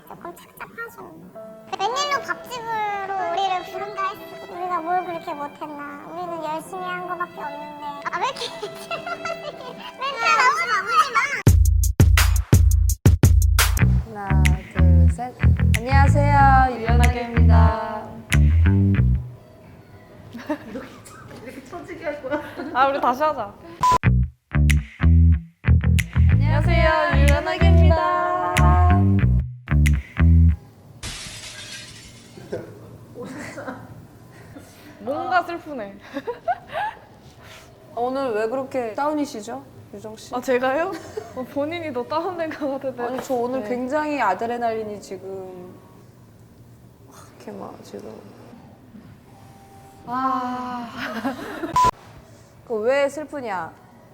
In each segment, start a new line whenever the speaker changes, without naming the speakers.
조금 착잡하죠. 웬일로 밥집으로 우리를 부른가 했어. 우리가 뭘 그렇게 못했나. 우리는 열심히 한 거밖에 없는데. 아, 왜 이렇게 멘탈 나오지 마.
하나, 둘, 셋. 안녕하세요, 유연하게입니다.
이렇게 처지게 할 거야?
아, 우리 다시 하자.
안녕하세요, 유연하게입니다.
뭔가 슬프네.
오늘 왜 그렇게 다운이시죠, 유정 씨?
아, 제가요? 본인이 더 다운된 것 같은데.
아니, 저 오늘
네.
굉장히 아드레날린이 지금 이렇게 막 지금.
아,
왜 슬프냐?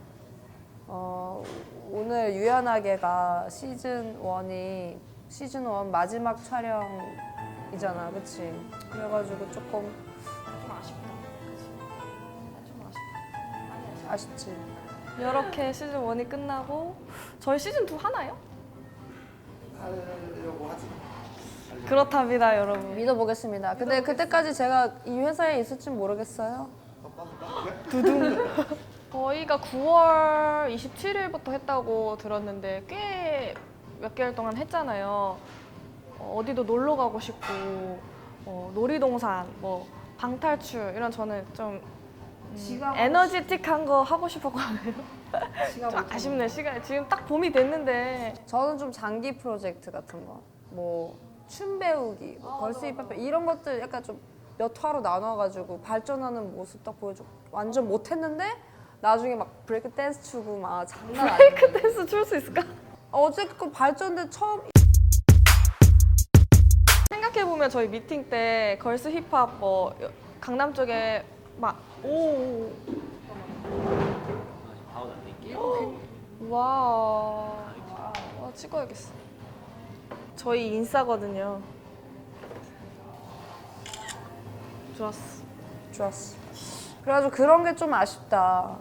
오늘 유연하게가 시즌 1 마지막 촬영이잖아, 그치? 그래가지고 조금
아쉽다. 그치? 좀 아쉽다.
아쉽지.
이렇게 시즌 1이 끝나고 저희 시즌 2 하나요?
하려고 하지.
그렇답니다, 여러분.
믿어보겠습니다. 근데 그때까지 제가 이 회사에 있을진 모르겠어요.
저희가 9월 27일부터 했다고 들었는데 꽤 몇 개월 동안 했잖아요. 어디도 놀러 가고 싶고 놀이동산, 뭐 방탈출 이런 저는 좀 에너지틱한 거 하고 싶었거든요. 좀 아쉽네, 시간 지금 딱 봄이 됐는데.
저는 좀 장기 프로젝트 같은 거, 뭐 춤 배우기, 뭐 걸스 힙합 이런 것들 약간 좀 몇 화로 나눠가지고 발전하는 모습 딱 보여줘. 완전 못했는데 나중에 막 브레이크 댄스 추고 막 장난 아니야.
브레이크 댄스 출 수 있을까?
어쨌든 발전된 처음.
생각해보면 저희 미팅 때 걸스 힙합 뭐 강남 쪽에 막 와 찍어야겠어. 저희 인싸거든요. 좋았어.
좋았어. 그래가지고 그런 게 좀 아쉽다.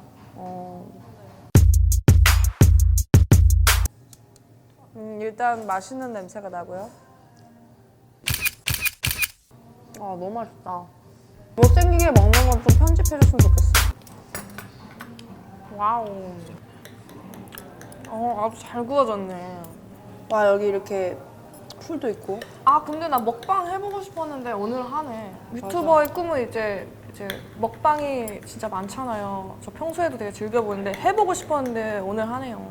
일단 맛있는 냄새가 나고요. 아, 너무 맛있다. 못생기게 먹는 건 좀 편집해줬으면 좋겠어.
와우. 아주 잘 구워졌네.
와, 여기 이렇게 풀도 있고.
아, 근데 나 먹방 해보고 싶었는데 오늘 하네. 유튜버의 꿈은 이제 먹방이 진짜 많잖아요. 저 평소에도 되게 즐겨보는데 해보고 싶었는데 오늘 하네요.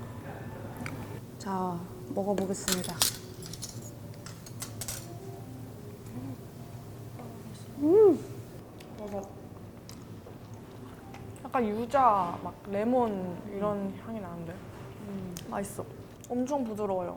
자, 먹어보겠습니다.
약간 유자, 막 레몬 이런 향이 나는데 맛있어. 엄청 부드러워요.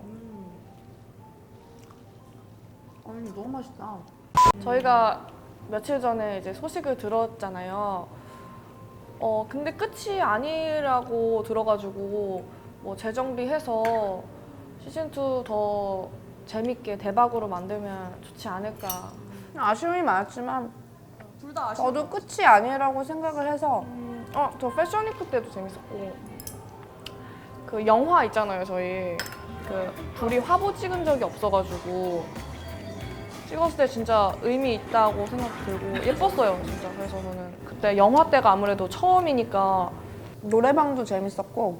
아니, 너무 맛있다.
저희가 며칠 전에 이제 소식을 들었잖아요. 근데 끝이 아니라고 들어가지고 뭐 재정비해서 시즌 2 더 재밌게 대박으로 만들면 좋지 않을까.
아쉬움이 많았지만
둘 다
저도 끝이 아니라고 생각을 해서
저 패션위크 때도 재밌었고 그 영화 있잖아요. 저희 그 둘이 화보 찍은 적이 없어가지고 찍었을 때 진짜 의미 있다고 생각 들고 예뻤어요, 진짜. 그래서 저는 그때 영화 때가 아무래도 처음이니까.
노래방도 재밌었고,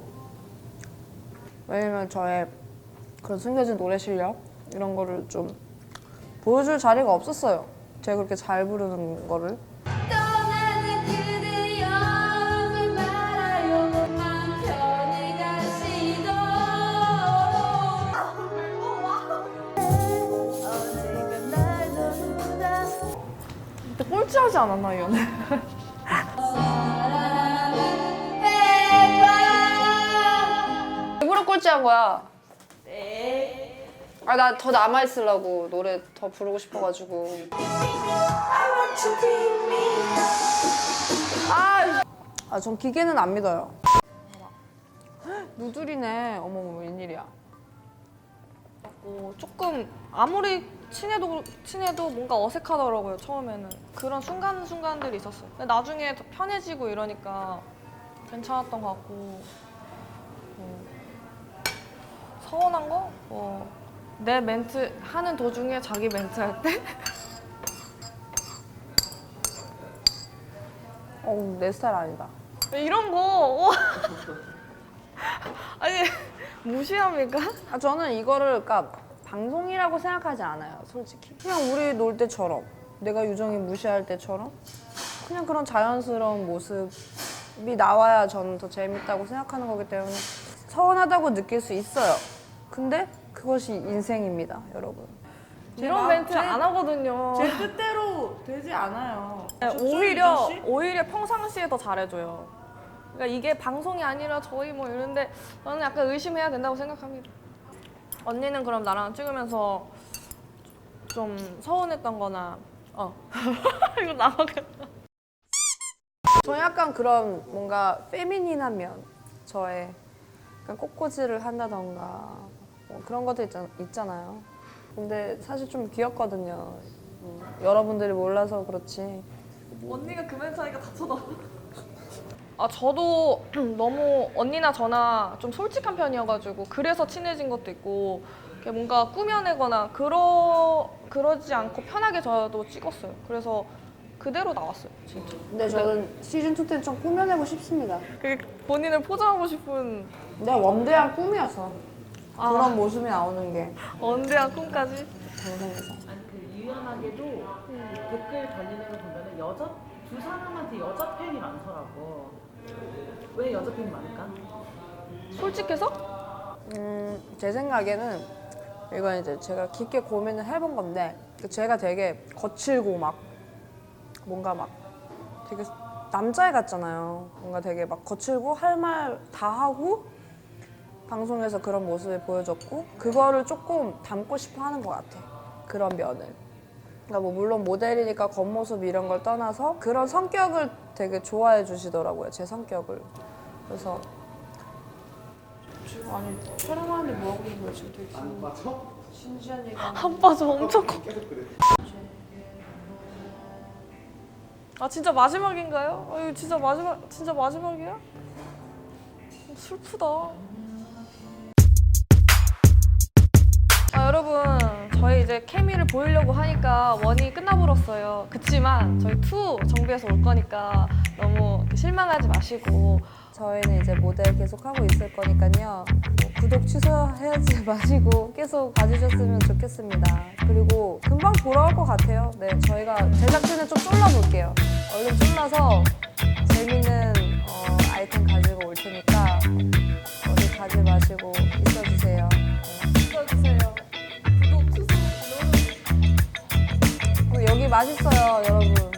왜냐면 저의 그런 숨겨진 노래 실력 이런 거를 좀 보여줄 자리가 없었어요. 제가 그렇게 잘 부르는 거를.
떠나는 그대여 오지 말아요 맘 편히 가시도 어디가 날 전부다
그때 꼴찌하지 않았나, 이 연애?
사랑은 해봐
일부러 꼴찌한 거야. 아, 나 더 남아있으려고 노래 더 부르고 싶어가지고. 전 기계는 안 믿어요. 누들이네. 어머, 웬일이야.
조금 아무리 친해도 뭔가 어색하더라고요, 처음에는. 그런 순간들이 있었어요. 근데 나중에 더 편해지고 이러니까 괜찮았던 것 같고. 서운한 거? 내 멘트 하는 도중에 자기 멘트 할 때?
내 스타일 아니다.
이런 거 아니 무시합니까?
저는 이거를 그러니까 방송이라고 생각하지 않아요, 솔직히. 그냥 우리 놀 때처럼, 내가 유정이 무시할 때처럼 그냥 그런 자연스러운 모습이 나와야 저는 더 재밌다고 생각하는 거기 때문에 서운하다고 느낄 수 있어요. 근데 그것이 인생입니다, 여러분.
이런 멘트 안 하거든요.
제 뜻대로 되지 않아요.
오히려 평상시에 더 잘해줘요. 그러니까 이게 방송이 아니라 저희 뭐 이런데 저는 약간 의심해야 된다고 생각합니다. 언니는 그럼 나랑 찍으면서 좀 서운했던 거나 이거 나가겠다.
저는 약간 그런 뭔가 페미닌한 면, 저의 약간 꽃꽂이를 한다던가 뭐 그런 것도 있잖아요. 근데 사실 좀 귀엽거든요. 여러분들이 몰라서 그렇지.
언니가 그 멘트 하니까 다 쳐다. 저도 너무 언니나 저나 좀 솔직한 편이어가지고 그래서 친해진 것도 있고 이렇게 뭔가 꾸며내거나 그러지 않고 편하게 저도 찍었어요. 그래서 그대로 나왔어요, 진짜.
근데 저는 시즌2 때는 좀 꾸며내고 싶습니다.
그 본인을 포장하고 싶은
내 원대한 꿈이어서 그런 모습이 나오는 게
언대한 꿈까지.
방송에서.
아니 그 유연하게도 댓글 달리는 거 보면은 두 사람한테 여자 팬이 많더라고. 왜 여자 팬이 많을까?
솔직해서?
제 생각에는 이건 이제 제가 깊게 고민을 해본 건데 제가 되게 거칠고 막 뭔가 막 되게 남자애 같잖아요. 뭔가 되게 막 거칠고 할 말 다 하고 방송에서 그런 모습을 보여줬고 그거를 조금 담고 싶어 하는 것 같아. 그런 면을. 그러니까 뭐 물론 모델이니까 겉모습 이런 걸 떠나서 그런 성격을 되게 좋아해 주시더라고요. 제 성격을. 그래서 아니 촬영하는데 뭐 하고 있는 거야 지금 되게 신기한 얘기가.
한 빠져 엄청 커. 진짜 마지막인가요? 이거 진짜 마지막이야? 슬프다. 여러분, 저희 이제 케미를 보이려고 하니까 원이 끝나버렸어요. 그치만 저희 2 정비해서 올 거니까 너무 실망하지 마시고
저희는 이제 모델 계속 하고 있을 거니까요. 뭐 구독 취소하지 마시고 계속 봐주셨으면 좋겠습니다. 그리고 금방 돌아올 것 같아요. 네, 저희가 제작진을 좀 쫄라볼게요. 얼른 쫄라서 재밌는 아이템 가지고 올 테니까 어디 가지 마시고 있어주세요. 네.
있어주세요. 구독 취소.
여기 맛있어요, 여러분.